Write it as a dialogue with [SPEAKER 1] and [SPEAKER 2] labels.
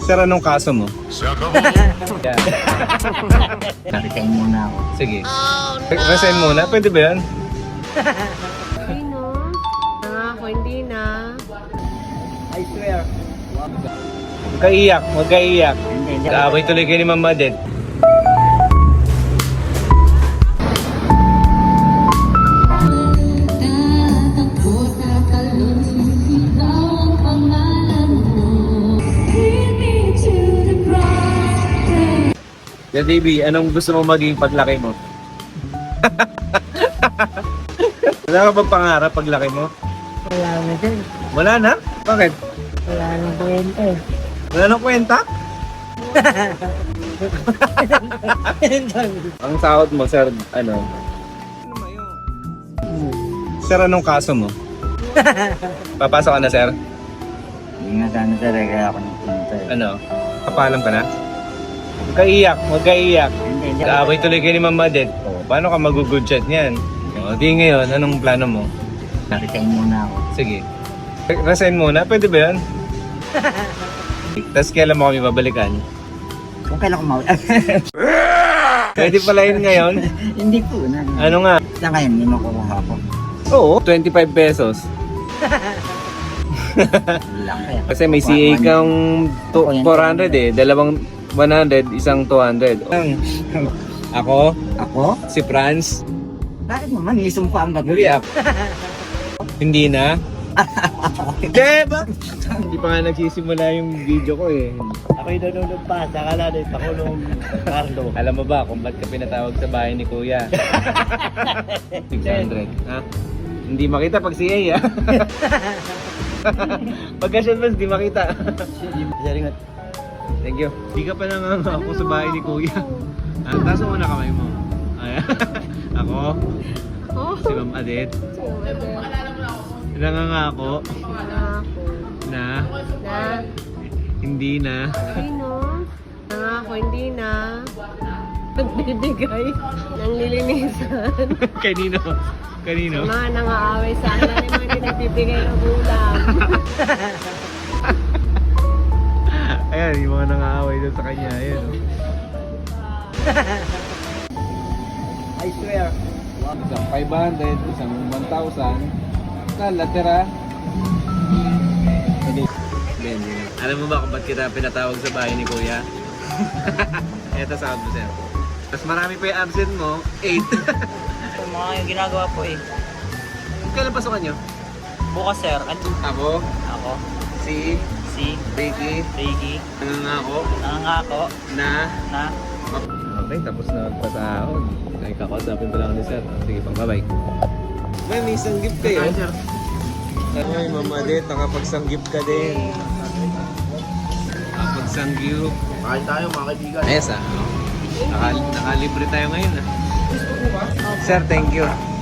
[SPEAKER 1] Sir, anong kaso mo? Yeah.
[SPEAKER 2] Resign muna ako.
[SPEAKER 1] Sige. Resign muna, pwede ba yan?
[SPEAKER 3] Sino? Nangako, hindi na.
[SPEAKER 2] I swear.
[SPEAKER 1] Huwag ka iyak, huwag ka iyak.
[SPEAKER 2] Hindi.
[SPEAKER 1] Kaaway tuloy kayo ni Mama Madet. Yeah, Davey, anong gusto mo maging paglaki mo? Wala ka bang pangarap paglaki mo?
[SPEAKER 3] Wala na dyan.
[SPEAKER 1] Wala na? Bakit?
[SPEAKER 3] Wala na kwenta eh.
[SPEAKER 1] Wala nang kwenta? Ang sahod mo, sir, ano? Sir, anong kaso mo? Papasok ka na, sir?
[SPEAKER 2] Hindi nga sana talaga ako ng punta eh.
[SPEAKER 1] Ano? Kapalam ka na? Huwag ka iyak, huwag ka iyak.
[SPEAKER 2] Hindi.
[SPEAKER 1] Kaaway tuloy kayo ni Mama Madet. O, paano ka mag-good chat niyan? O, di ngayon, anong plano mo?
[SPEAKER 2] Resign muna ako.
[SPEAKER 1] Sige. Resign muna, pwede ba yan? Tapos kailan mo kami babalikan?
[SPEAKER 2] Kung kailan ko mawala.
[SPEAKER 1] Pwede pala yun ngayon?
[SPEAKER 2] Hindi po na.
[SPEAKER 1] Ano nga?
[SPEAKER 2] Sa ngayon, hindi makukuha ko.
[SPEAKER 1] Oo, 25 pesos.
[SPEAKER 2] Laki.
[SPEAKER 1] Kasi may CA kang 400 eh. Dalawang 100, isang 200. Ako,
[SPEAKER 2] Ako?
[SPEAKER 1] si Franz,
[SPEAKER 2] Bakit naman? Isumpa ang
[SPEAKER 1] huli
[SPEAKER 2] gabi.
[SPEAKER 1] up. Hindi na? Hindi ba? Hindi pa nga nagsisimula yung video ko eh.
[SPEAKER 2] Ako'y nanonood pa. Saka na rin ako nung Carlo.
[SPEAKER 1] Alam mo ba kung ba't ka pinatawag sa bahay ni Kuya? 600. Ha? Hindi makita pag CA ha? Pagka-shot mas di makita.
[SPEAKER 2] Saringat.
[SPEAKER 1] Thank you. Di ka pa nanganga ako sa bahay ni Kuya. Taas mo muna kamay mo. Ayan. Ako,
[SPEAKER 3] Oh,
[SPEAKER 1] si Ma'am Adet. Nanganga ako na
[SPEAKER 3] Na?
[SPEAKER 1] hindi na.
[SPEAKER 3] Sino? Nangako, hindi na. Nagbibigay ng lilinisan.
[SPEAKER 1] Kanino? Kanino?
[SPEAKER 3] Mga nangaaway sa akin na naman yung nagbibigay ng ulam.
[SPEAKER 1] Ayan, yung mga nangaaway doon sa kanya. Ayan. Oh.
[SPEAKER 2] I swear.
[SPEAKER 1] Isang 500, isang 1,000. Kalatera. Alam mo ba kung ba't kita pinatawag sa bahay ni Kuya? Eto sa mo, sir. Tapos marami pa yung absent mo, 8.
[SPEAKER 4] Mga yung ginagawa po eh.
[SPEAKER 1] Kailan pasukan nyo?
[SPEAKER 4] Bukas sir,
[SPEAKER 1] Ako,
[SPEAKER 4] ako,
[SPEAKER 1] si
[SPEAKER 4] si
[SPEAKER 1] Ricky,
[SPEAKER 4] Ricky,
[SPEAKER 1] nangangako
[SPEAKER 4] nangangako
[SPEAKER 1] na...
[SPEAKER 4] na
[SPEAKER 1] Okay, tapos na magpasahod. Ay, kakausapin pa lang ni sir. Sige pang bye-bye. May isang gift kayo. Ay, Mama Adet, nakapagsanggip ka din. Nakapagsanggip.
[SPEAKER 2] Kahit tayo mga kaibigan.
[SPEAKER 1] Ayos ah. Nakalibre tayo ngayon ah. Sir, thank you.